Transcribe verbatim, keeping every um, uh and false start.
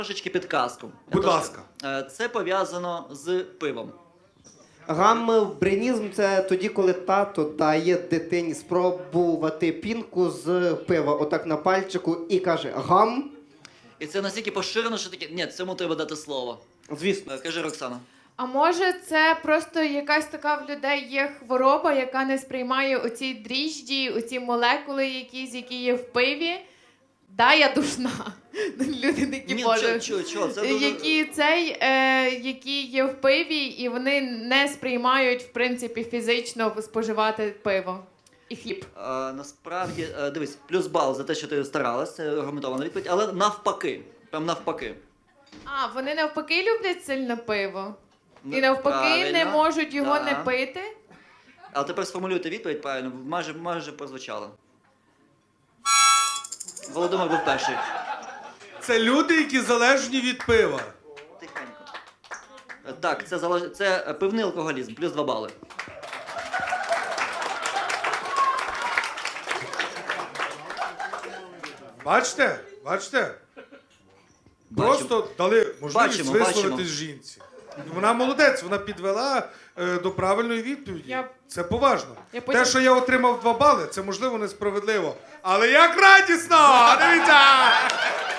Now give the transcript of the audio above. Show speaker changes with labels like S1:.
S1: Трошечки підказку.
S2: Будь
S1: Тож,
S2: ласка.
S1: е, Це пов'язано з пивом.
S3: Гамбринізм – це тоді, коли тато дає дитині спробувати пінку з пива, отак на пальчику, і каже гам.
S1: І це настільки поширено, що таке. Ні, цьому треба дати слово.
S3: Звісно.
S1: Е, Кажи, Роксана.
S4: А може це просто якась така в людей є хвороба, яка не сприймає оці дріжджі, оці молекули якісь, які є в пиві? Да, я душна. Люди такі
S1: Ні,
S4: боже.
S1: чо, чо, чо, це дуже...
S4: Які цей, е, які є в пиві, і вони не сприймають, в принципі, фізично споживати пиво і хліб.
S1: Е, насправді, е, дивись, плюс бал за те, що ти старалась, це аргументована відповідь, але навпаки. Прям навпаки.
S4: А, вони навпаки люблять сильно пиво?
S1: Ну,
S4: І навпаки не
S1: правильно.
S4: можуть його
S1: Да.
S4: не пити?
S1: Але тепер сформулюйте відповідь правильно, майже, майже прозвучало. Володимир був перший.
S2: Це люди, які залежні від пива.
S1: Тихенько. Е, Так, це, залеж... це е, пивний алкоголізм, плюс два бали.
S2: Бачите? Бачите?
S1: Бачимо.
S2: Просто дали можливість
S1: Бачимо,
S2: висловитись
S1: бачимо.
S2: жінці. Вона молодець, вона підвела е, до правильної відповіді.
S4: Я-
S2: Це поважно.
S4: Я потім-
S2: Те, що я отримав два бали, це можливо несправедливо. Але як радісно! Дивіться!